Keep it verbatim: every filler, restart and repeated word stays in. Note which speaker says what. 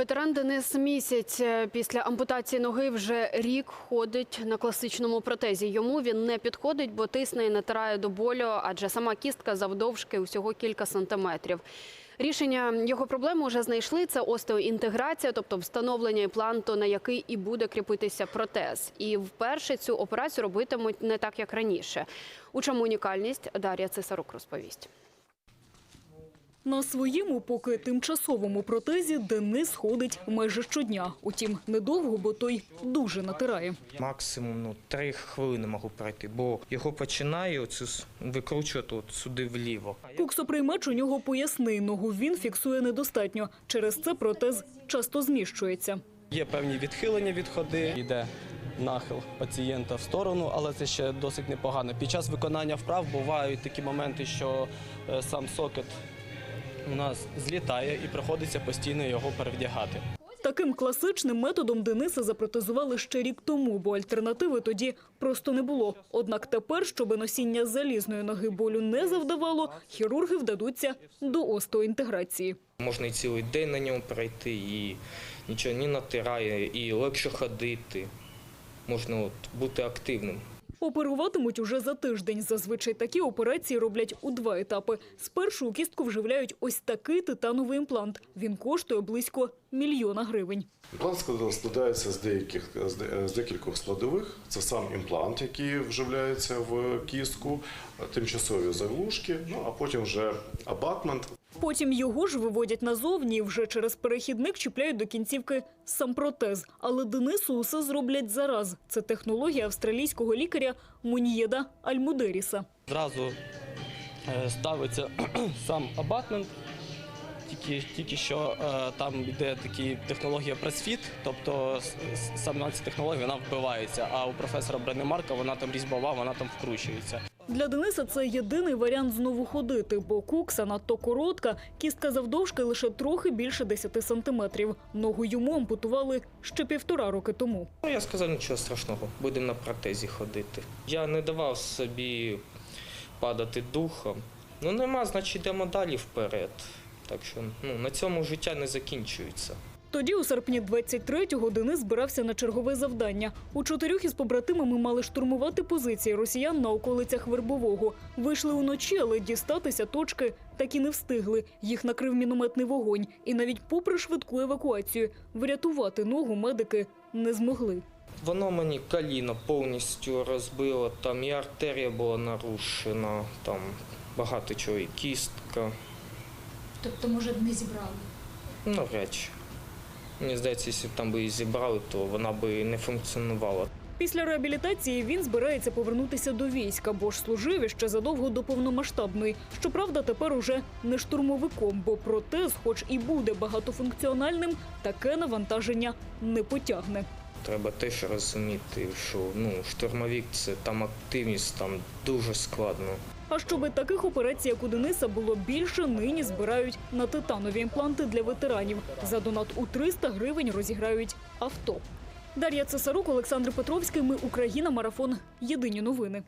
Speaker 1: Ветеран Денис місяць після ампутації ноги вже рік ходить на класичному протезі. Йому він не підходить, бо тисне і натирає до болю, адже сама кістка завдовжки усього кілька сантиметрів. Рішення його проблеми вже знайшли – це остеоінтеграція, тобто встановлення імпланту, на який і буде кріпитися протез. І вперше цю операцію робитимуть не так, як раніше. У чому унікальність, Дар'я Цесарук розповість.
Speaker 2: На своєму поки тимчасовому протезі Денис ходить майже щодня. Утім, недовго, бо той дуже натирає.
Speaker 3: Максимум ну, три хвилини можу пройти, бо його починає оцю викручувати от сюди вліво.
Speaker 2: Куксоприймач у нього поясний, ногу він фіксує недостатньо. Через це протез часто зміщується.
Speaker 4: Є певні відхилення від ходи, йде нахил пацієнта в сторону, але це ще досить непогано. Під час виконання вправ бувають такі моменти, що сам сокет у нас злітає і приходиться постійно його перевдягати.
Speaker 2: Таким класичним методом Дениса запротезували ще рік тому, бо альтернативи тоді просто не було. Однак тепер, щоб носіння залізної ноги болю не завдавало, хірурги вдадуться до остеоінтеграції.
Speaker 3: Можна і цілий день на ньому пройти, і нічого не натирає, і легше ходити. Можна от бути активним.
Speaker 2: Оперуватимуть уже за тиждень. Зазвичай такі операції роблять у два етапи. Спершу у кістку вживляють ось такий титановий імплант. Він коштує близько мільйона гривень.
Speaker 5: Імплант складається з деяких з декількох складових. Це сам імплант, який вживляється в кістку, тимчасові заглушки, ну а потім вже абатмент.
Speaker 2: Потім його ж виводять назовні і вже через перехідник чіпляють до кінцівки сам протез. Але Денису усе зроблять зараз. Це технологія австралійського лікаря Муньєда Альмудеріса.
Speaker 4: Зразу ставиться сам абатмент, тільки, тільки що там йде така технологія прес-фіт, тобто сама ця технологія вона вбивається, а у професора Бренемарка вона там різьбова, вона там вкручується.
Speaker 2: Для Дениса це єдиний варіант знову ходити, бо кукса надто коротка, кістка завдовжки лише трохи більше десяти сантиметрів. Ногу йому ампутували ще півтора роки тому.
Speaker 3: Я сказав, нічого страшного, будемо на протезі ходити. Я не давав собі падати духом. Ну нема, значить йдемо далі вперед. Так що ну, на цьому життя не закінчується.
Speaker 2: Тоді у серпні двадцять третього Денис збирався на чергове завдання. У чотирьох із побратимами мали штурмувати позиції росіян на околицях Вербового. Вийшли уночі, але дістатися точки так і не встигли. Їх накрив мінометний вогонь. І навіть попри швидку евакуацію врятувати ногу медики не змогли.
Speaker 3: Воно мені коліно повністю розбило, там і артерія була нарушена, там багато чого, і кістка.
Speaker 6: Тобто, може, не зібрали?
Speaker 3: Ну, речі. Мені здається, якщо б там би її зібрали, то вона би не функціонувала.
Speaker 2: Після реабілітації він збирається повернутися до війська, бо ж служив іще задовго до повномасштабної. Щоправда, тепер уже не штурмовиком, бо протез, хоч і буде багатофункціональним, таке навантаження не потягне.
Speaker 3: Треба теж розуміти, що ну, штурмовик – це там активність, там дуже складно.
Speaker 2: А щоби таких операцій, як у Дениса, було більше, нині збирають на титанові імпланти для ветеранів. За донат у триста гривень розіграють авто. Дар'я Цесарук, Олександр Петровський. Ми Україна. Марафон. Єдині новини.